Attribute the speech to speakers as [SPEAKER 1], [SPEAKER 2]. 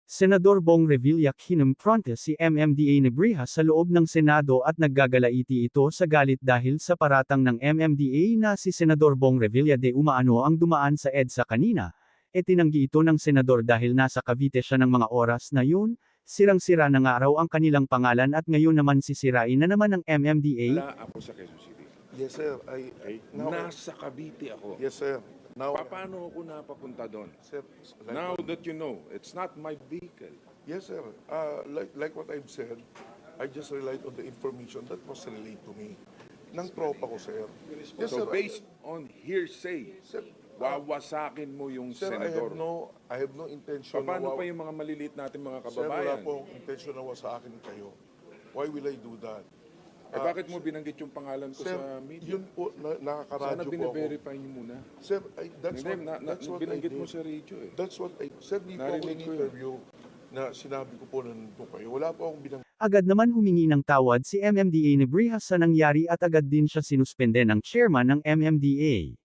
[SPEAKER 1] Senador Bong Revilla kinumpronte si MMDA Nebrija sa loob ng Senado at naggagalaiti ito sa galit dahil sa paratang ng MMDA na si Senador Bong Revilla de Umaano ang dumaan sa EDSA kanina. Tinanggi ito ng senador dahil nasa Cavite siya ng mga oras na yun, sirang-sira na nga raw ang kanilang pangalan at ngayon naman sisirain na naman ng MMDA.
[SPEAKER 2] Wala ako sa Quezon City.
[SPEAKER 3] Yes, sir.
[SPEAKER 2] Okay?
[SPEAKER 3] Now-
[SPEAKER 2] Nasa Cavite ako.
[SPEAKER 3] Yes, sir. Now,
[SPEAKER 2] Paano ako napapunta doon?
[SPEAKER 3] sir,
[SPEAKER 2] Now that you know, it's not my vehicle.
[SPEAKER 3] yes, sir. Like what I've said, I just relied on the information that was relayed to me. Nang tropa ko, sir. Yes,
[SPEAKER 2] So
[SPEAKER 3] sir.
[SPEAKER 2] based on hearsay,
[SPEAKER 3] Sir,
[SPEAKER 2] wawasakin mo yung
[SPEAKER 3] sir,
[SPEAKER 2] senador.
[SPEAKER 3] I have no intention
[SPEAKER 2] Paano pa yung mga maliliit natin mga
[SPEAKER 3] Sir, wala
[SPEAKER 2] kababayan?
[SPEAKER 3] pong intention na sa akin kayo. Why will I do that?
[SPEAKER 2] Bakit mo binanggit yung pangalan ko
[SPEAKER 3] Sir,
[SPEAKER 2] sa media?
[SPEAKER 3] yun po,
[SPEAKER 2] Sana
[SPEAKER 3] nakakaradyo po ako.
[SPEAKER 2] bine-verify niyo muna.
[SPEAKER 3] Sir, that's
[SPEAKER 2] Hindi,
[SPEAKER 3] what I
[SPEAKER 2] binanggit mo
[SPEAKER 3] did.
[SPEAKER 2] sa radio eh.
[SPEAKER 3] That's what I, sir, di po ako
[SPEAKER 2] Narinig ko yun.
[SPEAKER 3] in-interview na sinabi ko po na nandun kayo. Wala po akong binang
[SPEAKER 1] Agad naman humingi ng tawad si MMDA Nebrija sa nangyari at agad din siya sinuspende ng chairman ng MMDA.